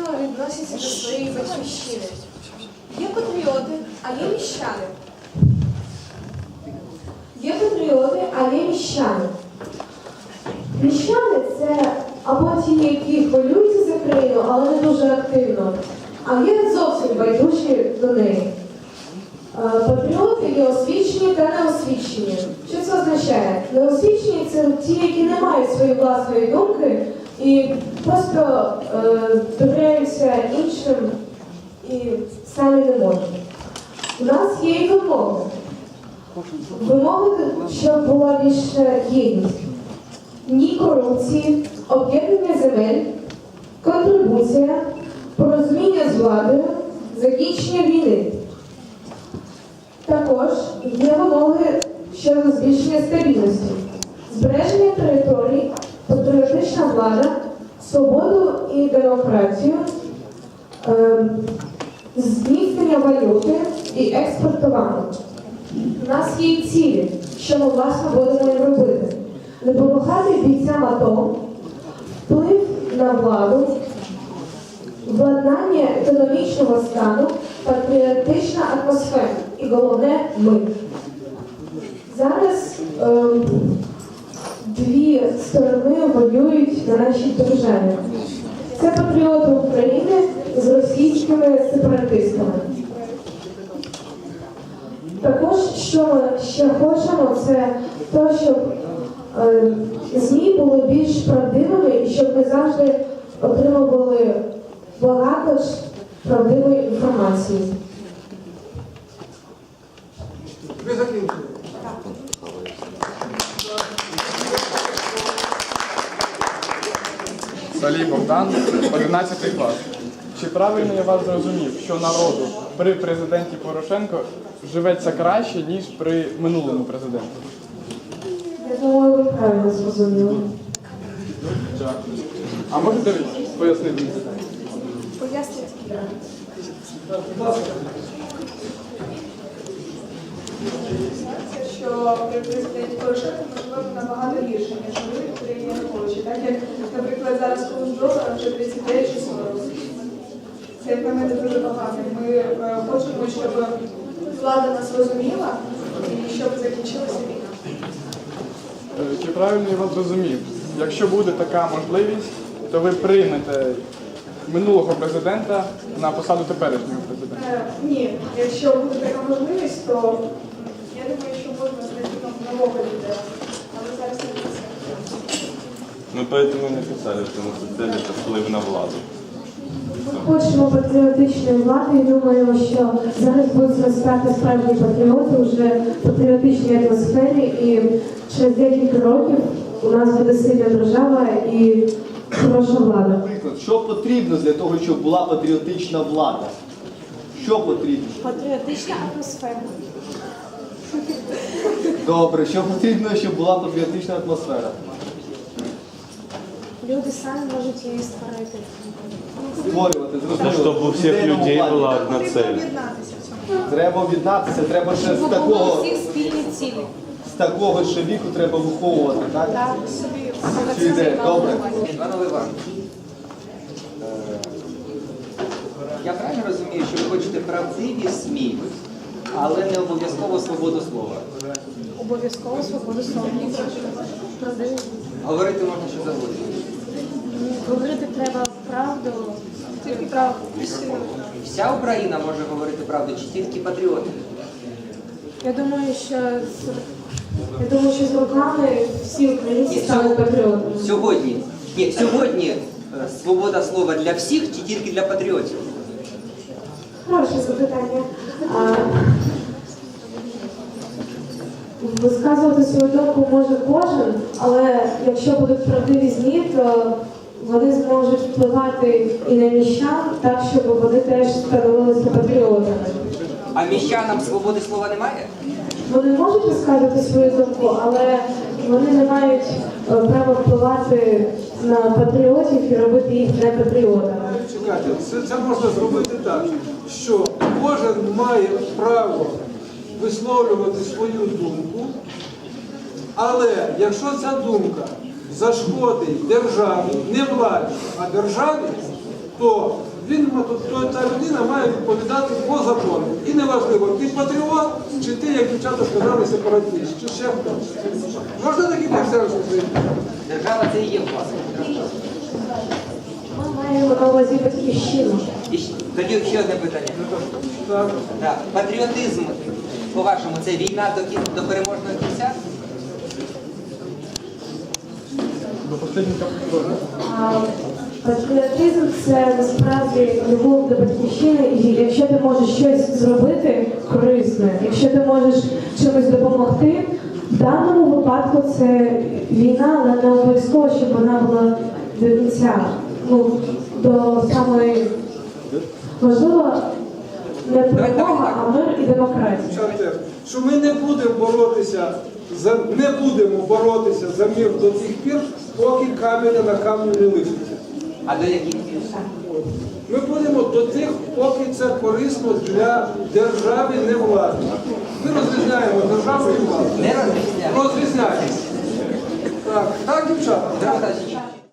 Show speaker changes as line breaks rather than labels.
відносяться до своєї батьківщини. Є патріоти, а є міщани.
Є патріоти, а є міщани. Міщани – це або ті, які хвилюються за країну, але не дуже активно, а є зовсім байдужі до неї. Патріоти є освічені та неосвічені. Що це означає? Неосвічені – це ті, які не мають своєї власної думки і просто довіряються іншим і самі не можуть. У нас є і вимоги. Вимоги, щоб була більша єдність. Ні корупції, об'єднання земель, контрибуція, порозуміння з владою, закінчення війни. Також є вимоги щодо збільшення стабільності, збереження територій, патріотична влада, свободу і демократію, зміцнення валюти і експортування. У нас є і цілі, що ми, власне, будемо їм робити. Допомагати бійцям АТО, вплив на владу, владнання економічного стану, патріотична атмосфера. І головне – ми. Зараз дві сторони воюють на нашій державі. Це патріоти України з російськими сепаратистами. Також, що ми ще хочемо, це те, щоб ЗМІ були більш правдивими і щоб ми завжди отримували багато правдивої інформації.
Ви закінчили?
Салій Богдан, 11 клас. Чи правильно я вас зрозумів, що народу при президенті Порошенко живеться краще, ніж при минулому президенті?
Я думаю, ви правильно зрозуміли.
Дякую. А можете пояснити?
Поясніть. Що при президенті Порошенко ми живемо набагато гірше, ніж жили при Януковичі. Так як, наприклад, зараз курс долара вже 39 чи 40. Це, як на мене, дуже багато. Ми хочемо, щоб влада нас розуміла і щоб закінчилася війна.
Чи правильно я вас зрозумів? Якщо буде така можливість, то ви приймете минулого президента на посаду теперішнього президента?
Ні, якщо буде така можливість, то я думаю, що можна знайти нового лідера. Але зараз не це.
Мы поэтому не писали, что наша цель – это вплив на владу.
Ми хочемо патріотичної влади і думаємо, що зараз будуть зростати справжні патріоти вже в патріотичній атмосфері і через декілька років у нас буде сильна держава і хороша влада.
Наприклад, що потрібно для того, щоб була патріотична влада? Що потрібно?
Патріотична атмосфера.
Добре, що потрібно, щоб була патріотична атмосфера?
Люди самі можуть її створити.
Створювати, зрозуміло.
Чтобы у всех
Ідейному
людей
плані.
была одна цель.
Треба об'єднатися, треба ще з
Було
такого,
всіх спільні цілі.
з такого ще віку треба виховувати, так?
Так, собі.
Чи йде? Добре.
Іван Іванович, я правильно розумію, що ви хочете правдиві СМІ, але не обов'язково свободу слова.
Обов'язково свободу слова. Правдиві.
Говорити можна що завгодно.
Говорити треба правду, тільки правду.
Вся Україна може говорити правду, чи тільки патріоти?
Я думаю, що з роками всі українці стануть патріотами.
Сьогодні свобода слова для всіх чи тільки для патріотів?
Хороше запитання. Висказувати свою думку може кожен, але якщо будуть правдиві ЗМІ, то вони зможуть впливати і на міщан так, щоб вони теж становилися патріотами.
А міщанам свободи слова немає?
Вони можуть висказувати свою думку, але вони не мають права впливати на патріотів і робити їх не патріотами.
Чекайте, це можна зробити так, що кожен має право висловлювати свою думку, але якщо ця думка зашкодить державі, не владі, а державі, то та людина має відповідати по закону. І неважливо, ти патріот, чи ти, як дівчата сказали, сепаратист, чи ще хто. Можна такі текстери зробити?
Держава це і є власник.
Ми маємо на увазі батьківщину.
І тоді ще одне питання.
Так.
Так. Патріотизм, по-вашому, це війна до переможного кінця?
До останнього капіталу.
Патріотизм це насправді любов до батьківщини, і якщо ти можеш щось зробити корисне, якщо ти можеш чимось допомогти, в даному випадку це війна, але не обов'язково, щоб вона була до кінця. Ну, до самої можливо не перемога, а мир і демократія.
Шантер, що ми не будемо боротися за мир до тих пір, поки каменя на камню не лишиться.
А до яких пір?
Ми будемо до тих, поки це корисно для держави, не влади. Ми розрізняємо державу і владу.
Не розрізняємо.
Розрізняємо. Так, дівчата?
Петро Михайлович,